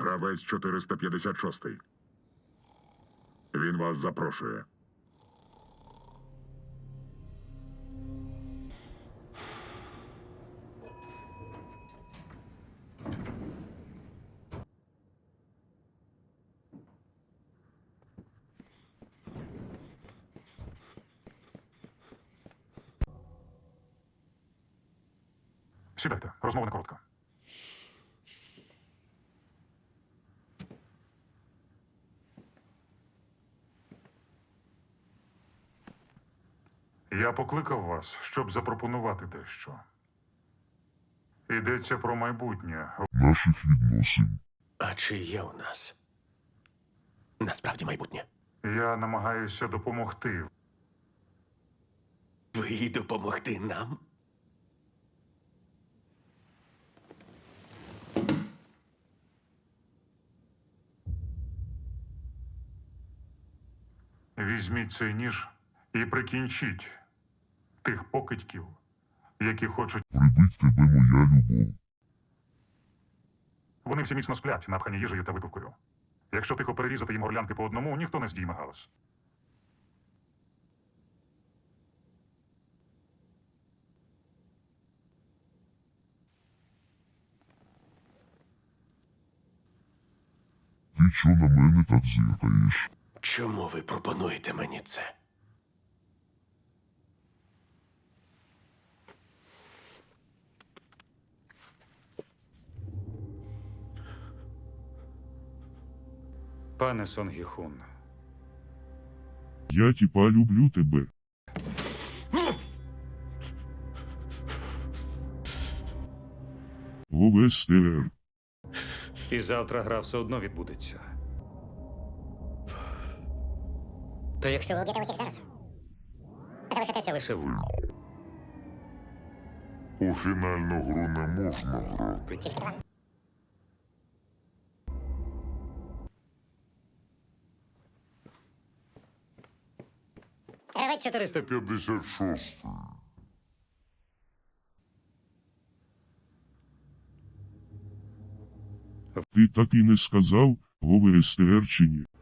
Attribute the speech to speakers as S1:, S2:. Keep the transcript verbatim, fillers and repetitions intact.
S1: Гравець чотириста п'ятдесят шість. Він вас запрошує.
S2: Сідайте, розмова не коротка. Я покликав вас, щоб запропонувати дещо. Йдеться про майбутнє.
S3: Наших відносин.
S4: А чи є у нас насправді майбутнє?
S2: Я намагаюся допомогти.
S4: Ви допомогти нам?
S2: Візьміть цей ніж і прикінчіть тих покидьків, які хочуть.
S3: Прибить тебе моя любов.
S2: Вони всі міцно сплять, напхані їжею та випивкою. Якщо тихо перерізати їм горлянки по одному, ніхто не здійме галас.
S3: Ти чо на мене так зиркаєш?
S4: Чому ви пропонуєте мені це?
S5: Пане Сонгіхун,
S3: Я тіпа люблю тебе. Говестер.
S5: і завтра гра все одно відбудеться.
S6: То якщо ви об'єте усіх зараз, залишитеся лише ви.
S3: У фінальну гру не можна грати.
S6: Тільки два. Гравець чотириста.
S3: п'ятдесят шість. Ти так і не сказав, Говестер чи ні?